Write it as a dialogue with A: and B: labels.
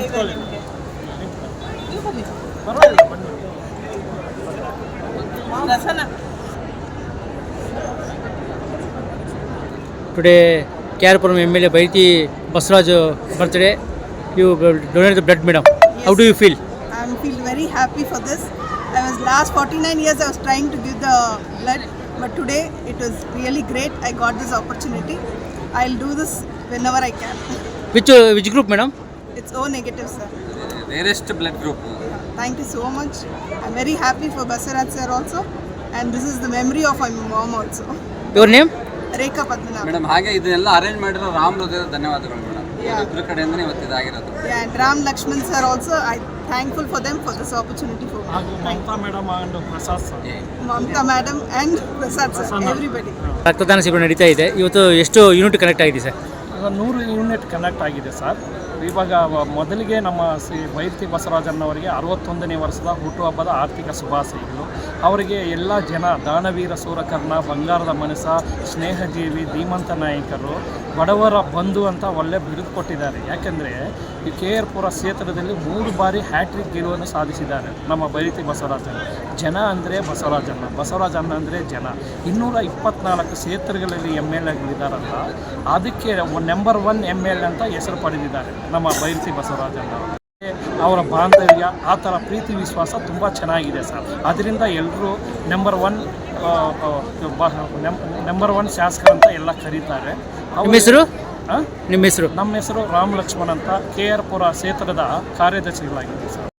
A: Today, Karapuram MLA Bairthi Basaraj birthday. You donated the blood, madam.
B: Yes.
A: How do you feel?
B: I feel very happy for this. I was last 49 years I was trying to give the blood, but today it was really great. I got this opportunity. I'll do this whenever I can.
A: Which group, madam?
B: It's O negative, sir.
C: Rarest blood group.
B: Thank you so much. I'm very happy for Basaraj sir also, and this is the memory of my mom also.
A: Your name?
B: Rekha Padmanabh.
C: Madam ಹಾಗೆ ಇದನ್ನೆಲ್ಲ arrange ಮಾಡಿರೋ ರಾಮ್ ಹೃದಯದ ಧನ್ಯವಾದಗಳು madam. ಇಬ್ಬರ ಕಡೆಯಿಂದನೇ ಇವತ್ತು ಇದಾಗಿರೋದು.
B: Yeah, and Ram Lakshman sir also. I'm thankful for them for this opportunity for me.
D: Mamta madam and Prasad sir.
B: Mamta madam and Prasad sir, everybody.
A: ರಕ್ತದಾನ ಶಿಬಿರ ನಡೀತಾ ಇದೆ. ಇವತ್ತು ಎಷ್ಟು ಯೂನಿಟ್ ಕನೆಕ್ಟ್ ಆಗಿದೆ ಸರ್?
D: 100 ಯೂನಿಟ್ ಕನೆಕ್ಟ್ ಆಗಿದೆ ಸರ್. ಇವಾಗ ಮೊದಲಿಗೆ ನಮ್ಮ ಬೈರ್ತಿ ಬಸವರಾಜಣ್ಣವರಿಗೆ 61ನೇ ವರ್ಷದ ಹುಟ್ಟುಹಬ್ಬದ ಆರ್ಥಿಕ ಶುಭಾಶಯಗಳು. ಅವರಿಗೆ ಎಲ್ಲ ಜನ ದಾನವೀರ ಸೂರಕರ್ಣ, ಬಂಗಾರದ ಮನಸ, ಸ್ನೇಹಜೀವಿ, ಧೀಮಂತ ನಾಯಕರು, ಬಡವರ ಬಂಧು ಅಂತ ಒಳ್ಳೆ ಬಿರುದು ಕೊಟ್ಟಿದ್ದಾರೆ. ಯಾಕೆಂದರೆ ಈ KR-ಪುರ ಕ್ಷೇತ್ರದಲ್ಲಿ 3 ಬಾರಿ ಹ್ಯಾಟ್ರಿಕ್ ಗೆಲುವನ್ನು ಸಾಧಿಸಿದ್ದಾರೆ ನಮ್ಮ ಬೈರ್ತಿ ಬಸವರಾಜಣ್ಣ. ಜನ ಅಂದರೆ ಬಸವರಾಜಣ್ಣ, ಬಸವರಾಜಣ್ಣ ಅಂದರೆ ಜನ. 224 ಕ್ಷೇತ್ರಗಳಲ್ಲಿ MLAಗಳಿದ್ದಾರಲ್ಲ, ಅದಕ್ಕೆ ನಂಬರ್ 1 MLA ಅಂತ ಹೆಸರು ಪಡೆದಿದ್ದಾರೆ ನಮ್ಮ ಬೈರ್ತಿ ಬಸವರಾಜಣ್ಣ. ಅವರ ಬಾಂಧವ್ಯ, ಆ ಥರ ಪ್ರೀತಿ ವಿಶ್ವಾಸ ತುಂಬ ಚೆನ್ನಾಗಿದೆ ಸರ್. ಅದರಿಂದ ಎಲ್ಲರೂ ನಂಬರ್ 1 ಶಾಸಕರು ಅಂತ ಎಲ್ಲ ಕರೀತಾರೆ.
A: ನಿಮ್ಮ ಹೆಸರು? ನಿಮ್ಮ ಹೆಸರು?
D: ನಮ್ಮ ಹೆಸರು ರಾಮ್ ಲಕ್ಷ್ಮಣ್ ಅಂತ KR-ಪುರ ಕ್ಷೇತ್ರದ ಕಾರ್ಯದರ್ಶಿಗಳಾಗಿದೆ ಸರ್.